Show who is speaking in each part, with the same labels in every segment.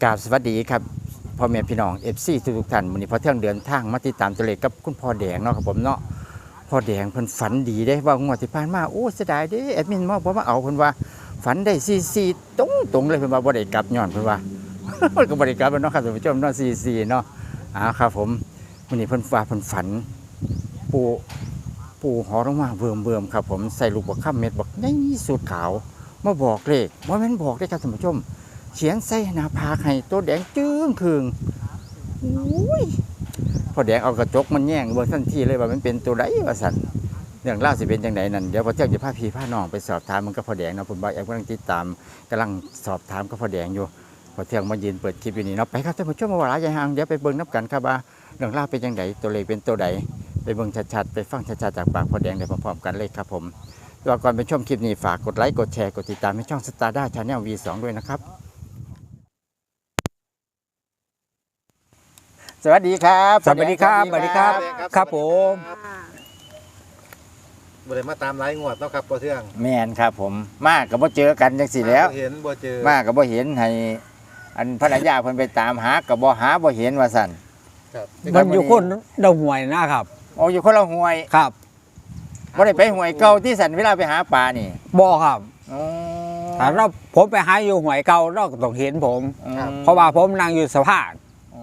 Speaker 1: กราบสวัสดีครับพ่อแม่พี่น้องFCทุกท่านวันนี้พอเที่ยงเดินทางมาติดตามตัวเลขกับคุณพ่อแดงเนาะครับผมเนาะพ่อแดงเพิ่นฝันดีได้ว่างวดที่ผ่านมาโอ้เสียดายเด้แอดมินมาเอาเพิ่นว่าฝันได้44ตรงเลยเพิ่นว่าบ่ได้กลับย้อนเพิ่นว่า มันก็บ่ได้กลับเนาะครับท่านผู้ชมเนาะ44เนาะครับผมวันนี้เพิ่นว่าเพิ่นฝันปูหอลงมาเบิ่มครับผมใส่ลูกบักค่ำเม็ดบักใหญ่สุดขาวมาบอกเลขบ่แม่นบอกได้ครับท่านผู้ชมเขียนใส่หน้าผากให้ตัวแดงจึ้งคืงอุ้ยพอแดงเอากระจกมันแย่งเบิ่งทันทีเลยว่ามันเป็นตัวใดว่าสั่นเรื่องเล่าสิเป็นจังไดนั่นเดี๋ยวพอเที่ยงจะพาพี่พาน้องไปสอบถามมันก็พอแดงเนาะผมบ่าวแอมกำลังติดตามกำลังสอบถามก็พอแดงอยู่พอเที่ยงมายืนเปิดคลิปอยู่นี่เนาะไปครับท่านผู้ชมมาว่าหลายอย่างเดี๋ยวไปเบิ่งนับกันครับว่าเรื่องเล่าเป็นจังไดตัวเลขเป็นตัวใดไปเบิ่งชัดๆไปฟังชัดๆจากปากพอแดงได้พร้อมๆกันเลยครับผมแล้วก่อนไปชมคลิปนี้ฝากกดไลค์กดแชร์กดติดตามให้ช่องสตาร์ด้าชาแนล V2 ด้วยนะครับสวัสดีครับ
Speaker 2: สวัสดีครับครับผม
Speaker 3: บ่ได้มาตามหลายงวดเนาะครับพ่อเทือง
Speaker 1: แม่นครับผมมาก็บ่เจอกันจังซี่แล้ว
Speaker 3: เห็นบ่เจอ
Speaker 1: มาก็บ่เห็นให้อันภรรยาเพิ่นไปตามหาก็บ่หาบ่เห็นว่าซั่น
Speaker 3: ครับ
Speaker 2: มันอยู่คนดาวหวยนะครับ
Speaker 1: โอ้อยู่คนละห้วย
Speaker 2: ครับ
Speaker 1: บ่ได้ไปห้วยเก่าที่สันเวลาไปหาปลานี่
Speaker 2: บ่ครับ
Speaker 1: อ๋อ
Speaker 2: ถ้าเราผมไปหาอยู่หวยเก่าเราก็ต้องเห็นผมเพราะว่าผมนั่งอยู่สะพาน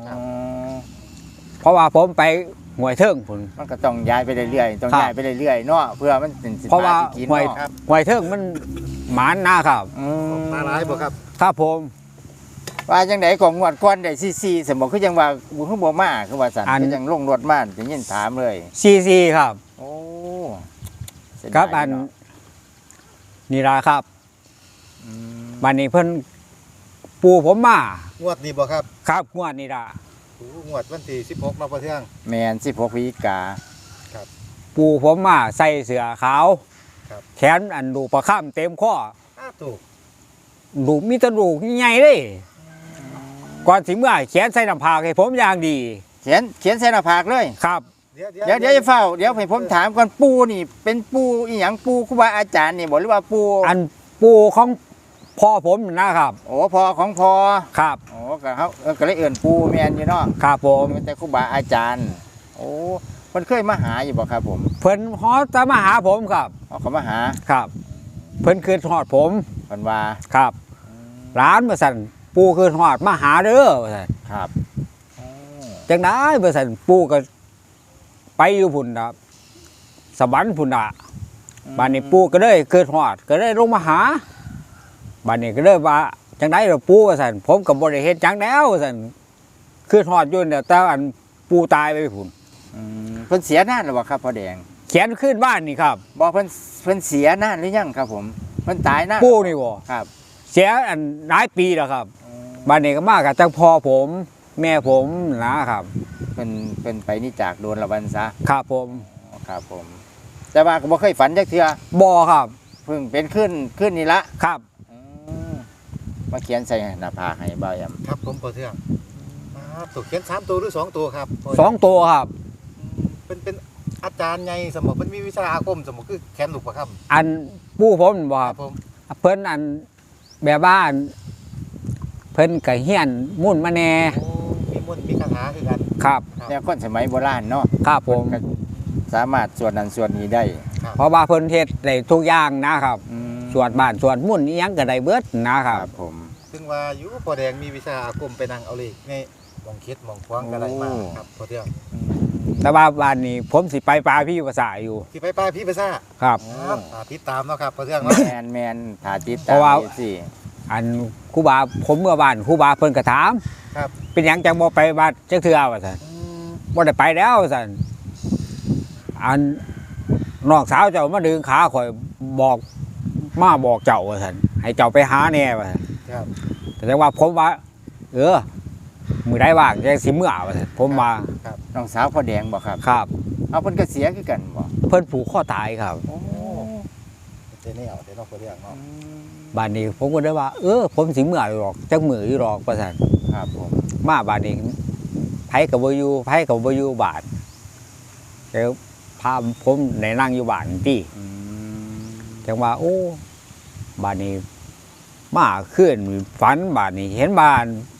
Speaker 2: เพราะว่าผมไปหวยเทิงผม
Speaker 1: มันก็ต้องย้ายไปเรื่อยๆต้องย้ายไปเรื่อยๆเนาะเพื่อมันเป็นสิน
Speaker 2: เพราะว่า
Speaker 1: กิน
Speaker 2: หวยเทิงมันหมานนะครับ
Speaker 3: มาหลายบ่ครับ
Speaker 2: ครับผม
Speaker 1: ว่าจังได๋ของงวดก่อนได้44สมบ่คือจังว่าบ่มาคือว่าซั่นคือจังลงรถมาจะยินถามเลย
Speaker 2: 44ครับ
Speaker 1: โอ้
Speaker 2: ครับอันนี่ล่ะครับบัดนี้เพิ่นปู่ผมมาง
Speaker 3: วดนี้บ่ครับ
Speaker 2: ครับงวดนี้ล่ะ
Speaker 3: งวดวันที่16เนาะพ่อเทือง
Speaker 1: แม่น16พฤศจิกา
Speaker 3: ครับ
Speaker 2: ปู่ผมมาใส่เสื้อขาว
Speaker 3: ครับ
Speaker 2: แขนอันดูประค่ำเต็มข้อ
Speaker 3: ถูก
Speaker 2: ดูมีแตะดูใหญ่เลยก่อนสิเมื่อเขียนใส่น้ำผากให้ผมอย่างดี
Speaker 1: เขียนใส่หน้าผากเลย
Speaker 2: ครับ
Speaker 1: เดี๋ยวจะเฝ้าเดี๋ยวให้ผมถามก่อนปูนี่เป็นปูอีหยังปูครูบาอาจารย์นี่บอกหรือว่าปู
Speaker 2: อันปูของพ่อผมนะครับ
Speaker 1: โอ้พ่อของพ่อ
Speaker 2: ครับ
Speaker 1: โอ้ก็เขาก็เลยเอื่นปูแมนอยู่เนาะ
Speaker 2: ครับผม
Speaker 1: แต่ครูบาอาจารย์โอ้เพิ่นเคยมาหาอยู่บ่ครับผม
Speaker 2: เพิ่นฮอดจะมาหาผมครับ
Speaker 1: เขามาหา
Speaker 2: ครับเพิ่นคืนฮอดผม
Speaker 1: เพิ่นว่า
Speaker 2: ครับร้านมาสั่นปูคืนฮอดมาหาเด้อว่าสั่น
Speaker 1: ครับ
Speaker 2: จังได้มาสั่นปูก็ไปอยู่พุ่นน่ะสวรรค์พุ่นน่ะบ้านนี้ปูก็เลยคืนฮอดก็เลยลงมาหาบ้านนี้ก็เลยว่าจังได้เราปูว่าสั่นผมกับบริเฮ็ดจังแล้วสั่นคือทอดยุ่นเดี๋ยวแต่อันปูตายไปพุ่น
Speaker 1: เพิ่นเสียนานหรือเปล่าครับพ่อแดง
Speaker 2: เขียนขึ้นบ้านนี่ครับ
Speaker 1: บอกเพิ่นเสียนานหรือยังครับผมเพิ่นตายนาน
Speaker 2: ปูนี่บ่
Speaker 1: ครับ
Speaker 2: เสียอันหลายปีแล้วครับบ้านนี้ก็มากับจังพ่อผมแม่ผมนะครับ
Speaker 1: เป็นไปนี่จากโดนละวันซะ
Speaker 2: ครับผม
Speaker 1: ครับผมแต่ว่าก็บ่เคยฝันจักเทื่อ
Speaker 2: บ่ครับ
Speaker 1: เพิ่งเป็นขึ้นนี่ละ
Speaker 2: ครับ
Speaker 1: มาเขียนใส่หน้าผากให้บ่าวย
Speaker 3: ำครับผมพ่อเทืองถูกเขียน3ตัวหรือ2ตัวครับ
Speaker 2: 2ตัวครับ
Speaker 3: เป็นอาจารย์ใหญ่สมองเพิ่นมีวิชาอาคมสมองคือแขนลูกประคำ
Speaker 2: อันปู่ผมบ่ครับเพิ่นอันแบบบ้านเพิ่นก็เฮียนมุ่นมาแน่
Speaker 3: มีมุ่นมีคาถาคือกัน
Speaker 2: ครับ
Speaker 1: เนี่ยคนสมัยโบราณเนาะ
Speaker 2: ครับผม
Speaker 1: สามารถสวดนั้นสวดนี้ได้
Speaker 2: เพราะว่าเพิ่นเฮ็ดได้ทุกอย่างนะครับสวดบ้านสวดมุ่นอีหยังก็ได้เบิดนะครับ
Speaker 1: ผม
Speaker 3: ซึ่งว่าอยู่พ่อแดงมีวิชาอาคมไปนั่งเอาเลขในมองคิดมองควางก็ได้มาครับพ่อเทือง
Speaker 2: แต่ว่าบ้านนี้ผมสิไปปลาพี่ภาษาอยู่
Speaker 3: สิไปปลาพี่ภาษา
Speaker 2: ครับ
Speaker 3: ติดตามเนาะครับพ่อเทือง
Speaker 1: แมนถ้าติดตามสิ
Speaker 2: อันครูบาผมเมื่อบ้านครูบาเพิ่นก็ถาม
Speaker 3: ครับ
Speaker 2: เป็นหยังจังบ่ไปบ้านจักเทื่อว่าซั่นบ่ได้ไปแล้วว่าซั่นอันน้องสาวเจ้ามาดึงขาข่อยบอกเจ้าว่าซั่นให้เจ้าไปหาแน่ว่าซั่น
Speaker 3: ครับ
Speaker 2: แต่ว่าผมว่ามื้อใดว่างจังสิเมื่อว่าซั่นผมว่า
Speaker 1: ครับน้องสาวพ่อแดงบ่ครับ
Speaker 2: ครับ
Speaker 1: เอาเพิ่นก็เสียคือกันบ่
Speaker 2: เพิ่นผูกคอตายครับ
Speaker 3: โอ้เดี๋ยวน้องพ่อเทืองเนาะ
Speaker 2: บ้านนี้ผมก็ได้ว่าผมสิเมื่ออยู่หรอกจักมื้ออยู่หรอกว่าซั่น
Speaker 1: ครับผม
Speaker 2: มาบ้านนี้ไผก็บ่อยู่บ้านแล้วพาผมในนั่งอยู่บ้านที่จังว่าโอ้บ้านนี้มาขึ้นฝันบ้านนี้เห็นบ้าน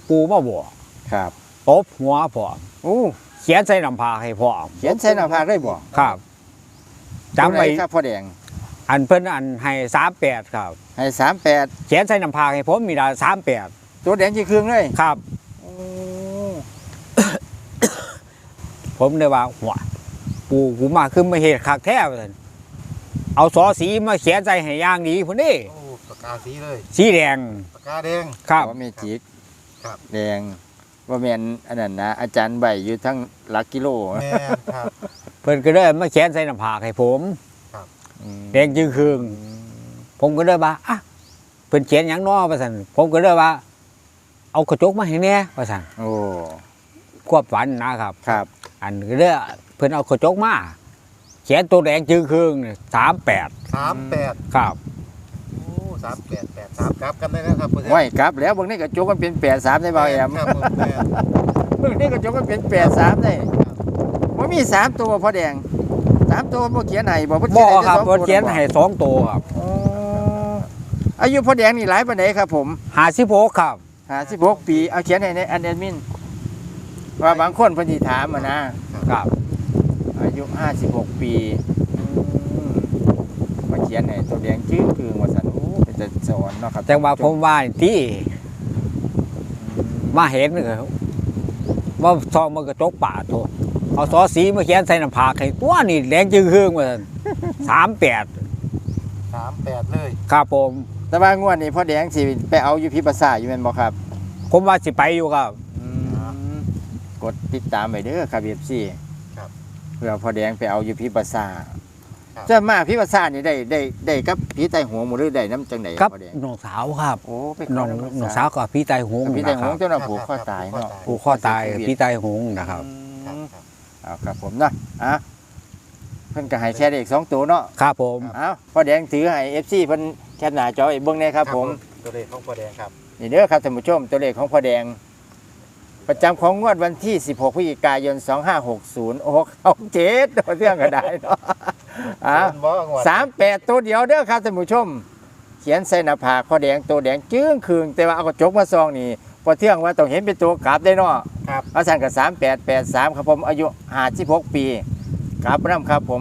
Speaker 2: ปูมาบอก
Speaker 1: ครับ
Speaker 2: ตบหัวพร้อม
Speaker 1: โอ้
Speaker 2: เขียนใส่น้ำพาให้พร้อม
Speaker 1: เขียนใส่หน้าผากได้บ่
Speaker 2: ครับจำไว้
Speaker 1: ตัวหนครับพ่อแดง
Speaker 2: อันเพิ่นอันให้38ครับ
Speaker 1: ให้38
Speaker 2: เขียนใส่น้ำพาให้ผมมีได้38
Speaker 1: ตัวแดงจีเครื่องเลย
Speaker 2: ครับ
Speaker 1: โอ้
Speaker 2: ผมเลยว่าหัวปูกูมาคือมาเฮ็ดคักแท้ว่าซั่นเอาสอสีมาเขียนใส่ให้อย่างดีพุ่นนี่
Speaker 3: โอ้ปากกาสีเลย
Speaker 2: สีแดง
Speaker 3: ปากกาแดง
Speaker 2: ครับ
Speaker 1: ว่าเมจิก
Speaker 3: ครับ
Speaker 1: แดงว่าแม่นอันนั้นนะอาจารย์ใบอยู่ทั้งหลักกิโล
Speaker 3: แม่นครับ
Speaker 2: เพิ่นก็เลยมาเขียนใส่น้ำพากให้ผม
Speaker 1: อืม
Speaker 2: แดงจึงครึ่งผมก็เลยว่าอ่ะเพิ่นเขียนหยังน้อว่าซั่นผมก็เลยว่า เอากระจกมาให้แน่ว่าซั่น
Speaker 1: โอ้
Speaker 2: ควบฝันนะครับ
Speaker 1: ครับ
Speaker 2: อันก็เลยเพิ่นเอากระจกมาเขียนตัวแดงจึงครึ่ง38
Speaker 3: 38
Speaker 2: ครับ
Speaker 3: โอ้3883ครับกันได้นะครับพ่อแดง
Speaker 1: ไว้ครับแล้วบางนี้กระจกมันเป็น83ได้บ่แอม
Speaker 3: ครับผมแม่น
Speaker 1: บางนี้กระจกมันเป็น83ได้บ่มี3ตัวพ่อแดง3ตัวบ่เขียนให้บ่เพิ่น
Speaker 2: บ่
Speaker 1: เขียนให้
Speaker 2: ครับ
Speaker 1: แต่สอง
Speaker 2: เพิ่นเขียน
Speaker 1: ตัว
Speaker 2: ให้2ตัวครับ
Speaker 1: อ๋ออายุพ่อแดงนี่หลายปานใดครับผม
Speaker 2: 56ครับ
Speaker 1: 56 ปีเอาเขียนให้ในอันแอดมินว่าบางคนเพิ่นสิถามอะนะครับ อายุ56 ปีอืมมาเขียนให้ตัวแดงจื้อคือว่าซั่นโอ้เป็นจะสอนเนาะครับ
Speaker 2: แต่ว่าผมว่าที่มาเห็นก็ว่าซองมันกระจกป่าโทษเอาซอสีมาเขียนใส่น้ำผากให้ตัวนี่แดงจึงครึ่งว่าซั่น38
Speaker 3: 38เลย
Speaker 2: ครับผม
Speaker 1: แต่ว่างวดนี้พ่อแดงสิไปเอาอยู่พิภาษาอยู่แม่นบ่ครับ
Speaker 2: ผมว่าสิไปอยู่ครับ
Speaker 1: กดติดตามไว้เด้อครับ FC
Speaker 3: ครับ
Speaker 1: เพื่อพ่อแดงไปเอาอยู่พิภาษา
Speaker 3: ครับ
Speaker 1: จะมาพิภาษานี่ได้กับผีไตหัวหมู่หรือได้น้ำจังได๋
Speaker 2: ครับ
Speaker 1: พ่อแดง
Speaker 2: น้องสาวครับ
Speaker 1: โอ้ไป
Speaker 2: น้อง
Speaker 1: ขำ
Speaker 2: น้องสาวกับพี่ไตหง
Speaker 1: พี่
Speaker 2: นะ
Speaker 1: ไต
Speaker 2: ค
Speaker 1: หัว
Speaker 2: รับ
Speaker 1: เจ้าหน้าผูกข้อตายเนาะ
Speaker 2: ผูกข้อตายพี่ไตหงนะครับ
Speaker 3: ครับครับ
Speaker 1: เอาครับผมเนาะอ่ะเพิ่นก็ให้แค่เลข2ตัวเนาะ
Speaker 2: ครับผม
Speaker 1: เอาพ่อแดงถือให้ FC เพิ่นแคปหน้าจอไว้เบิ่งแน่ครับผม
Speaker 3: ตัวเลขของพ่อแดงครับ
Speaker 1: นี่เด้อครับท่านผู้ชมตัวเลขของพ่อแดง ประจำของงวดวันที่ 16 พฤศจิกายน 2560 โอ้เขาเจ็ดตัวเรื่องก็ได้เนาะอ่ะ
Speaker 3: บ่งวด
Speaker 1: 38 ตัวเดียวเด้อครับท่านผู้ชม เขียนใส่หน้าผากพ่อแดงตัวแดงจึ้งคืงแต่ว่าเอากระจกมาซองนี่พอเที่ยงว่าต้องเห็นเป็นตัวกราบได้เนาะ
Speaker 3: ครับ
Speaker 1: เอาสั่นกับ3883ครับผมอายุ56 ปีกราบนำครับผม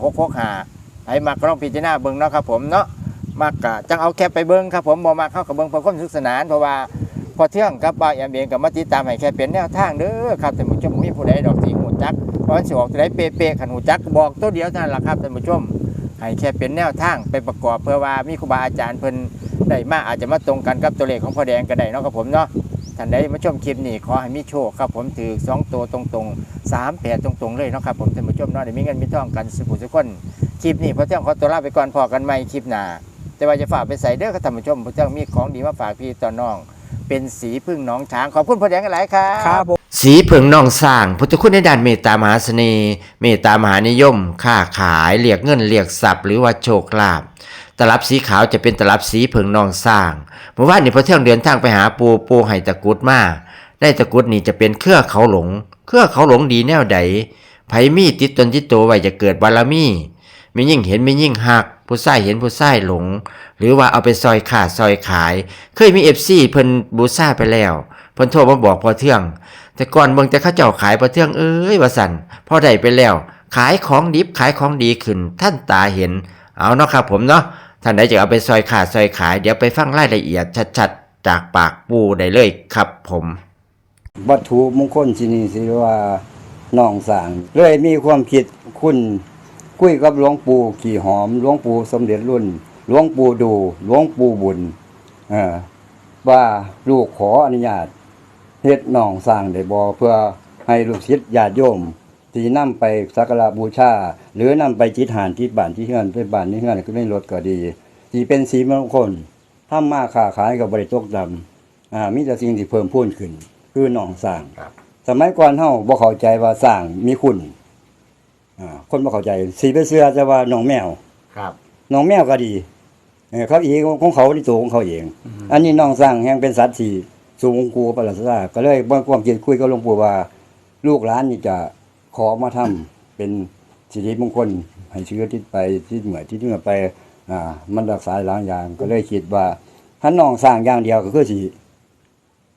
Speaker 1: 665ให้มากลองพิจารณาเบิ่งเนาะครับผมเนาะมากกะจังเอาแคปไปเบิ่งครับผมบ่มาเข้ากับเบิ่งเพื่อความสนุกสนานเพราะว่าพอเที่ยงกับบ่าวแอมเองกับมาติดตามให้แค่เป็นแนวทางเด้อครับท่านผู้ชมบ่มีผู้ใดดอกสิฮู้จักเพราะมันสิออกตัวใดเป๊ะๆคันฮู้จักบอกตัวเดียวเท่านั้นล่ะครับท่านผู้ชมให้แค่เป็นแนวทางไปประกอบเพื่อว่ามีครูบาอาจารย์เพิ่นได้มาอาจจะมาตรงกันกับตัวเลขของพ่อแดงก็ได้เนาะครับผมเนาะท่านใดมาชมคลิปนี้ขอให้มีโชคครับผมถือ2ตัวตรงๆ38ตรงๆเลยเนาะครับผมท่านผู้ชมเนาะได้มีเงินมีทองกันสุขทุกคนคลิปนี้พอเที่ยงขอตัวลาไปก่อนพอกันใหม่คลิปหน้าแต่ว่าจะฝากไปใส่เด้อครับท่านผู้ชมพอเที่ยงมีของดีมาฝากพี่ต่อน้องเป็นสีพึ่งหนองช้างขอบคุณพ่อแดงกันหลายครับ
Speaker 2: ครับผม
Speaker 4: สีเผิงนองสร้างพุทธคุณในด้านเมตตามหาเสน่ห์เมตตามหานิยม ค้าขายเรียกเงินเรียกทรัพย์หรือว่าโชคลาภตลับสีขาวจะเป็นตลับสีเผิงนองสร้างเมื่อวานนี้พอเที่ยงเดินทางไปหาปูไห้ตะกรุดมาได้ตะกรุดนี่จะเป็นเครือเขาหลงดีแนวใดไผมีติดตนติดตัวไว้จะเกิดบารมีมียิ่งเห็นมียิ่งหักผู้ใส่เห็นผู้ใส่หลง หรือว่าเอาไปซอยขาดซอยขายเคยมี FC เพิ่นบูซ่าไปแล้วเพิ่นโทรมาบอกพอเที่ยง แต่ก่อนเบิ่งแต่เขาเจ้าขายพอเที่ยงเอ้ยว่าสั่นพอได้ไปแล้ว ขายของดิบขายของดีขึ้นท่านตาเห็นเอาเนาะครับผมเนาะท่านใดจะเอาไปซอยขาดซอยขายเดี๋ยวไปฟังรายละเอียดชัดๆจากปากปูได้เลยครับผม
Speaker 5: วัตถุมงคลที่นี่สิว่าน้องสร้างเลยมีความคิดคุณคุยกับหลวงปู่ขี่หอมหลวงปู่สมเด็จรุ่นหลวงปู่ดูหลวงปู่บุญว่าลูกขออนุญาตเฮ็ดน้องสร้างได้บ่เพื่อให้ลูกศิษย์ญาติโยมที่นำไปสักการะบูชาหรือนำไปจิตหานที่บ้านที่เฮือนไปบ้านที่เฮือนก็ได้รถก็ดีที่เป็นสีมงคลทำมาค้าขายก็บ่ได้ตกดำมีแต่สิ่งที่เพิ่มพูนขึ้นคือน้องสร้างสมัยก่อนเฮาบ่เข้าใจว่าสร้างมีคุณคนบ่เข้าใจสิไปเชื่อจะว่าน้องแมว
Speaker 1: ครับ
Speaker 5: น้องแมวก็ดีเขาอีกของเขาที่ตัวของเขาเอง อันนี้น้องสร้างแห่งเป็นสัตว์ที่สูงกูปรัสราก็เลยบ่ความคิดคุยกับหลวงปู่ว่า ลูกหลานนี่จะขอมาทำเป็นสิริมงคลให้เชื้อที่ไปที่เหมือที่ไปมันรักษาหลายอย่างก็เลยคิดว่าถ้าน้องสร้างอย่างเดียวก็คือสิ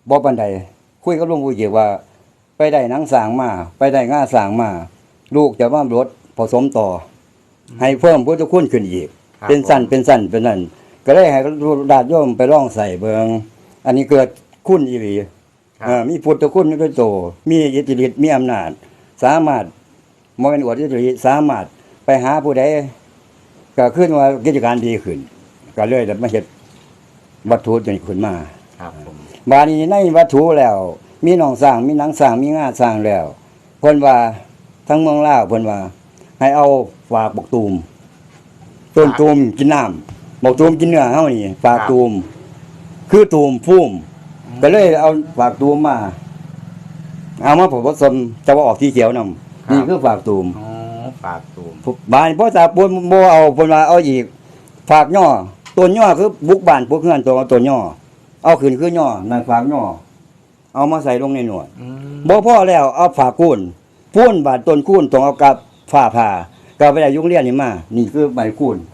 Speaker 5: บ่ปานใดคุยกับหลวงปู่เจียว่า ไปได้หนังสร้างมาไปได้ง่าสร้างมาลูกจะว่ารถผสมต่อให้เพิ่มพุทธคุณขึ้นอีก
Speaker 1: ครับ
Speaker 5: เป็นสั้นเป็นนั่นก็เลยให้ญาติโยมไปลองใส่เบิงอันนี้เกิดคุณอีหลี มีพุทธคุณด้วยโตมีอิทธิฤทธิ์มีอำนาจ สามารถบ่แม่นอวดอิทธิฤทธิ์สามารถไปหาผู้ใดก็ขึ้นว่ากิจการดีขึ้น ก็เลยได้มาเฮ็ดวัตถุตัวนี้ขึ้นมา
Speaker 1: ครับผม
Speaker 5: บาดนี้ในวัตถุแล้ว มีหนองสร้างมีหนังสร้างมีงาสร้างแล้วเพิ่นว่าทั้งเมืองลาวเพิ่นว่า ให้เอาฝากบักตูมต้นตูมกินน้ำบักตูมกินเนื้อเฮานี่ฝากตูมคือตูมพุ่มก็เลยเอาฝากตูมมาเอามาผสมจะว่าออกสีเขียวนำนี่คือฝากตูม
Speaker 1: อ๋อปากตูม
Speaker 5: บานพ่อตาปนบ่เอาเพิ่นว่าเอาอีกฝากย่อต้นย่อคือบุกบ้านพวกเฮือนตัวต้นย่อเอาขึ้นคือย่อนั่นฝากย่อเอามาใส่ลงในหนวด บ่พอแล้วเอาฝาคูนพูนบาดต้นคูนต้องเอากับฝ้าผ่าก็ไปได้ยุงเรียนนี่มานี่คือใบคูน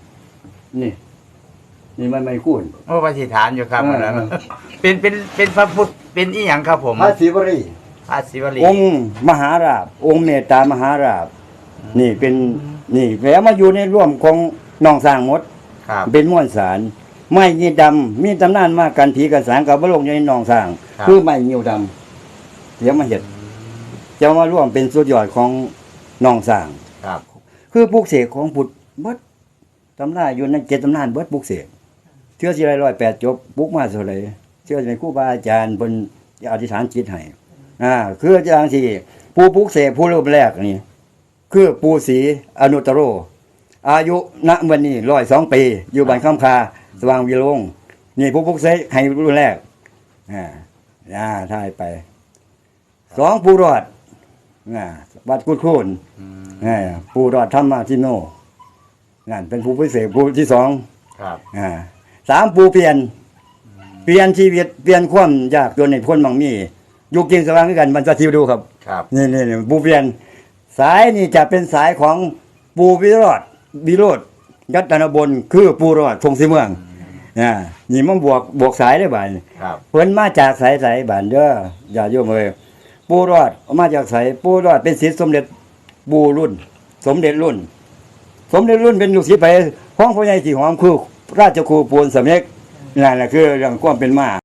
Speaker 5: นี่ใบคูน
Speaker 1: โอ้ปฏิฐานอยู่ครับ
Speaker 5: เออ
Speaker 1: อันนั้นเป็นพระพุทธเป็นอีหยังครับผม
Speaker 5: พระศิวรี
Speaker 1: พระศิวลี
Speaker 5: องค์มหาราชองค์เมตตามหาราชนี่เป็นนี่แล้วมาอยู่ในร่วมของน้องสร้างหมด
Speaker 1: ครับ
Speaker 5: เป็นม้วนสารไม้ยีดำมีตำนานมากันผีกันสางกับบลงอยู่ในหนองสร้าง
Speaker 1: ครับ
Speaker 5: คือไม้ยีดำเดี๋ยวมาเห็ดจะมาร่วมเป็นสุดยอดของหนองสร้าง
Speaker 1: ครับ
Speaker 5: คือปลูกเสกของพุทธเบิดตำราอยู่ใน7ตำนานเบิดปลูกเสกเชื่อสิไร108จบปลูกมาเท่าไหร่เชื่อสิครูบาอาจารย์เพิ่นอธิษฐานจิตให้คืออาจารย์สิผู้ปลูกเสกผู้รูปแรกนี่คือปู่ศรีอนุตตโร อายุณวันนี้102 ปี อยู่บ้านคำคาสว่างวิโรงนี่ผู้ปลุกเสกให้รุ่นแรกถ่ายไป2ผู้รอดวัดกุดคูนผู้รอดธรรมทิโนนั่นเป็นผู้พิเศษผู้ที่2
Speaker 1: ครับ
Speaker 5: 3ผู้เปลี่ยนชีวิตเปลี่ยนความยากจนในพ้นบางมีอยู่กินสว่างด้วยกันบรรพชิวดูครับ
Speaker 1: ครับ
Speaker 5: นี่ผู้เปลี่ยนสายนี่จะเป็นสายของปูวิโรธยัตนบลคือปูรอดพงศรีเมืองนี่มันบวกสายได้บ่าย
Speaker 1: ครับ
Speaker 5: เพิ่นมาจากสายบ้านเด้ออย่าโยมเอ้ยปูรอดมาจากสายปูรอดเป็นศิษย์สมเด็จปูรุ่น สมเด็จรุ่นเป็นลูกศิษย์ไปของพ่อใหญ่ที่หอมคือราชครูปูนสำเร็จนั่นแหละคือเรื่องความเป็นมา